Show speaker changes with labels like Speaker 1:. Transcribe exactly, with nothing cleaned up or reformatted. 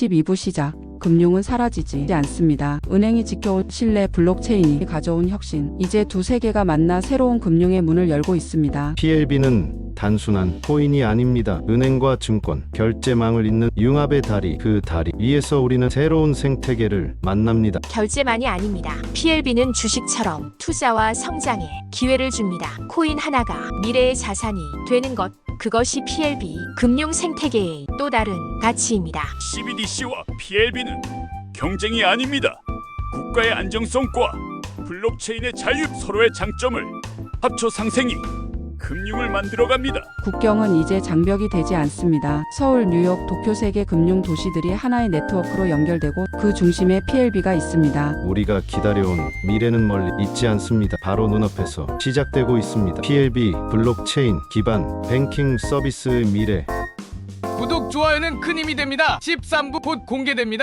Speaker 1: 십이 부 시작. 금융은 사라지지 않습니다. 은행이 지켜온 신뢰, 블록체인이 가져온 혁신. 이제 두 세계가 만나 새로운 금융의 문을 열고 있습니다.
Speaker 2: 피엘비는 단순한 코인이 아닙니다. 은행과 증권, 결제망을 잇는 융합의 다리, 그 다리 위에서 우리는 새로운 생태계를 만납니다.
Speaker 3: 결제만이 아닙니다. 피엘비는 주식처럼 투자와 성장에 기회를 줍니다. 코인 하나가 미래의 자산이 되는 것, 그것이 피엘비 금융 생태계의 또 다른 가치입니다.
Speaker 4: 씨비디씨와 피엘비는 경쟁이 아닙니다. 국가의 안정성과 블록체인의 자유, 서로의 장점을 합쳐 상생이 금융을 만들어갑니다.
Speaker 1: 국경은 이제 장벽이 되지 않습니다. 서울, 뉴욕, 도쿄 세계 금융 도시들이 하나의 네트워크로 연결되고 그 중심에 피엘비가 있습니다.
Speaker 2: 우리가 기다려온 미래는 멀리 있지 않습니다. 바로 눈앞에서 시작되고 있습니다. 피엘비 블록체인 기반 뱅킹 서비스의 미래.
Speaker 5: 구독, 좋아요는 큰 힘이 됩니다. 십삼 부 곧 공개됩니다.